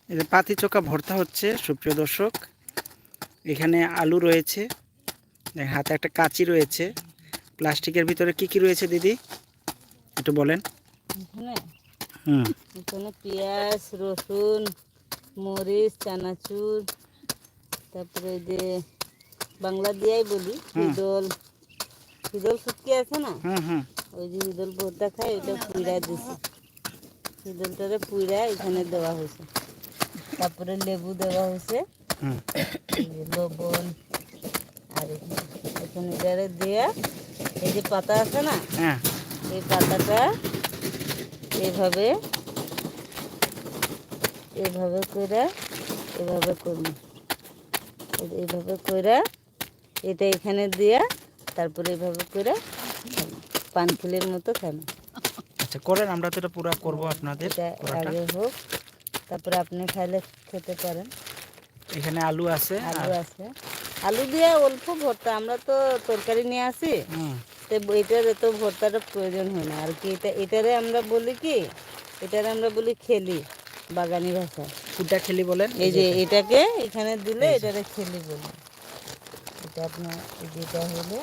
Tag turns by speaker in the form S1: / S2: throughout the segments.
S1: এই যে পাতি চোখা ভর্তা হচ্ছে সুপ্রিয় দর্শক। এখানে আলু রয়েছে, হাতে একটা কাঁচি রয়েছে। প্লাস্টিকের ভিতরে কি কি রয়েছে দিদি একটু বলেন।
S2: এখানে পেঁয়াজ, রসুন, মরিচ, চানাচুর, তারপরে যে বাংলা দিয়াই বলি হিদল, হিদল শুটকি আছে না, ওই যে হিদল ভর্তা খায় ওইটা পুইরা দিছে। হিদলটারে পুইরা এখানে দেওয়া হয়েছে। তারপরে লেবু দেওয়া হয়েছে, লবণ, আর এখানে এটারে দেয়া এই যে পাতা আছে না, এই পাতাটা এইভাবে এইভাবে কইরা এভাবে করবো, এইভাবে কইরা এটা এখানে দিয়া তারপরে এইভাবে কইরা পানখিলের মতো খাবো।
S1: আচ্ছা করেন, আমরা তো এটা পুরো করবো আপনাদের।
S2: আগে হোক, তারপরে আপনি খাইলে খেতে পারেন।
S1: এখানে আলু আছে,
S2: আলু দিয়ে অল্প ভর্তা, আমরা তো তরকারি নিয়ে আসি, তো এটার এত ভর্তাটা প্রয়োজন হয় না আর কি। এটারে আমরা বলি কি, এটারে আমরা বলি খেলি বাগানি ভাষা।
S1: কোনটা খেলি বলেন?
S2: এই যে এটাকে এখানে দিলে এটারে খেলি বলে। এটা আপনার যেটা হলো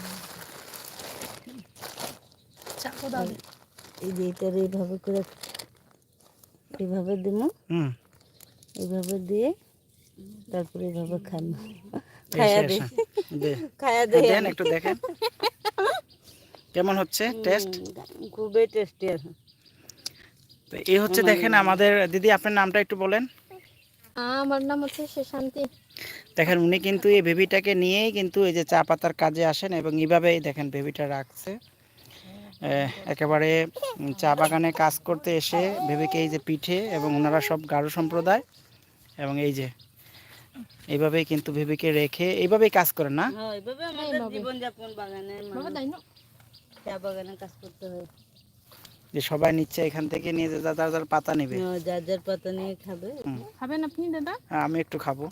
S2: এই যে এটারে এইভাবে করে এইভাবে দিব, এইভাবে দিয়ে তারপরে এইভাবে খান, খায়া দেন
S1: একটু দেখেন কেমন হচ্ছে টেস্ট।
S2: খুবই টেস্টি আছে।
S1: তো এই হচ্ছে দেখেন আমাদের দিদি, আপনার নামটা একটু বলেন।
S3: আমার নাম হচ্ছে শান্তি।
S1: দেখেন উনি কিন্তু এই বেবিটাকে নিয়েই কিন্তু এই যে চা পাতার কাজে আসেন এবং এইভাবেই দেখেন বেবিটা রাখছে। একেবারে চা বাগানে কাজ করতে এসে বেবিকে এই যে পিঠে, এবং ওনারা সব গারো সম্প্রদায়, এবং এই যে এইভাবেই কিন্তু বেবিকে রেখে এইভাবেই কাজ করেন না?
S2: এইভাবে আমাদের জীবনযাপন বাগানে, চা বাগানে কাজ করতে হয়।
S1: যে সবাই নিচ্ছে এখান থেকে, নিয়ে যার যার পাতা নেবে,
S2: যার যার পাতা নিয়ে খাবে।
S3: খাবেন আপনি দাদা?
S1: আমি একটু খাবো।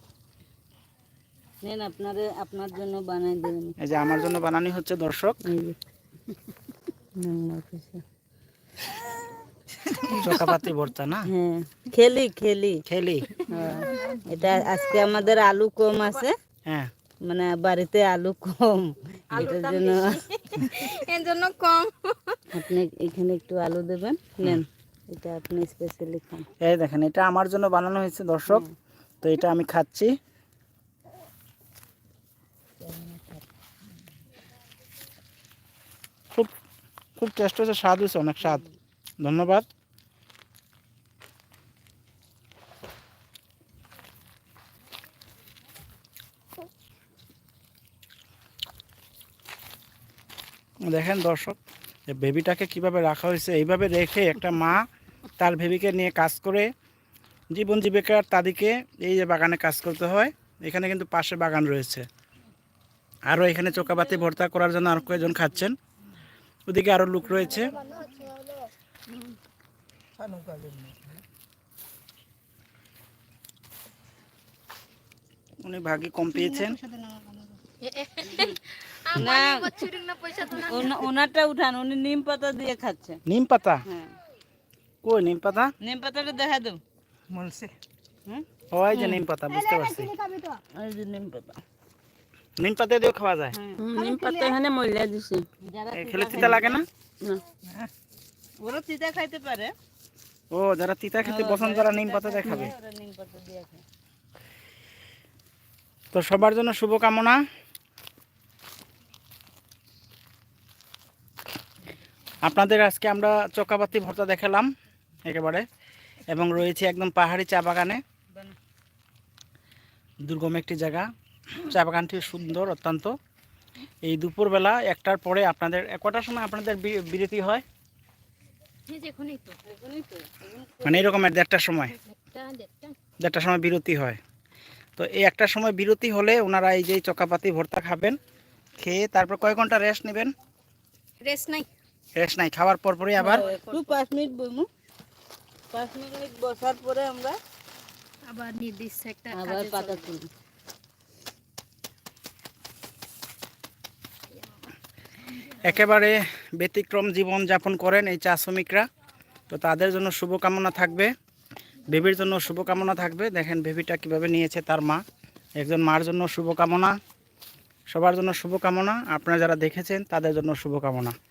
S2: নেন, আপনার জন্য বানাই দেবেন।
S1: এই যে আমার জন্য বানানি হচ্ছে দর্শক, চোকাপাতি ভর্তা না?
S2: হ্যাঁ, খেলি খেলি
S1: খেলি।
S2: এটা আজকে আমাদের আলু কম আছে,
S1: হ্যাঁ
S2: মানে বাড়িতে আলু কম, এটার জন্য
S3: এর জন্য কম।
S2: আপনি এখানে একটু আলু দেবেন, নেন এটা আপনি স্পেশালি খান।
S1: এই দেখেন এটা আমার জন্য বানানো হয়েছে দর্শক, তো এটা আমি খাচ্ছি। খুব খুব টেস্ট হয়েছে, স্বাদ হয়েছে, অনেক স্বাদ। ধন্যবাদ। দেখেন দর্শক, বেবিটাকে কিভাবে রাখা হয়েছে। এইভাবে রেখে একটা মা তার বেবিকে নিয়ে কাজ করে জীবন জীবিকার তাদেরকে এই যে বাগানে কাজ করতে হয়। এখানে কিন্তু পাশে বাগান রয়েছে, আরও এখানে চোকাবাতি ভর্তা করার জন্য আরও কয়েকজন খাচ্ছেন। ওদিকে আরও লোক রয়েছে। উনি ভাগ্যে কম পেয়েছেন।
S2: ওনারটা উঠান, উনি নিম পাতা দিয়ে খাচ্ছে।
S1: নিম পাতা?
S2: হ্যাঁ।
S1: কই নিম পাতা?
S2: নিম পাতাটা দেখা দেব।
S1: ওই যে নিম পাতা, বুঝতে পারছি।
S2: ওই যে নিম পাতা,
S1: নিম পাতা দিয়েও খাওয়া যায়?
S2: নিম পাতা এখানে মহিলা দিছে।
S1: খেলে তিতা লাগে না?
S2: ওরা তিতা খাইতে পারে।
S1: ও, যারা তিতা খেতে পছন্দ তারা নিম পাতা দিয়ে খাবে।
S2: নিম পাতা দিয়ে খায়।
S1: তো সবার জন্য শুভকামনা। আপনাদের আজকে আমরা চোকাবাতি ভর্তা দেখালাম একেবারে, এবং রয়েছে একদম পাহাড়ি চা বাগানে, দুর্গম একটি জায়গা। চা বাগানটি সুন্দর অত্যন্ত। এই দুপুরবেলা 1টার পরে আপনাদের কটার সময় আপনাদের বিরতি হয়? মানে এরকম 1:30টার সময়, 1:30টার সময় বিরতি হয়। তো এই 1টার সময় বিরতি হলে ওনারা এই যে চোকাপাতি ভর্তা খাবেন, খেয়ে তারপর কয় ঘন্টা রেস্ট নেবেন?
S3: রেস্ট নাই,
S1: খাওয়ার পরপরই আবার
S2: 5 মিনিট বইমু, 5 মিনিট বসার পরে আমরা
S3: আবার নির্দিষ্ট একটা
S2: আবার পাতা তুলি।
S1: একেবারে ব্যতিক্রম জীবন যাপন করেন এই চা শ্রমিকরা। তো তাদের জন্য শুভকামনা থাকবে। বেবির জন্য শুভকামনা থাকবে। দেখেন বেবিটা কিভাবে নিয়েছে তার মা। একজন মার জন্য শুভকামনা, সবার জন্য শুভকামনা, আপনারা যারা দেখেছেন তাদের জন্য শুভকামনা।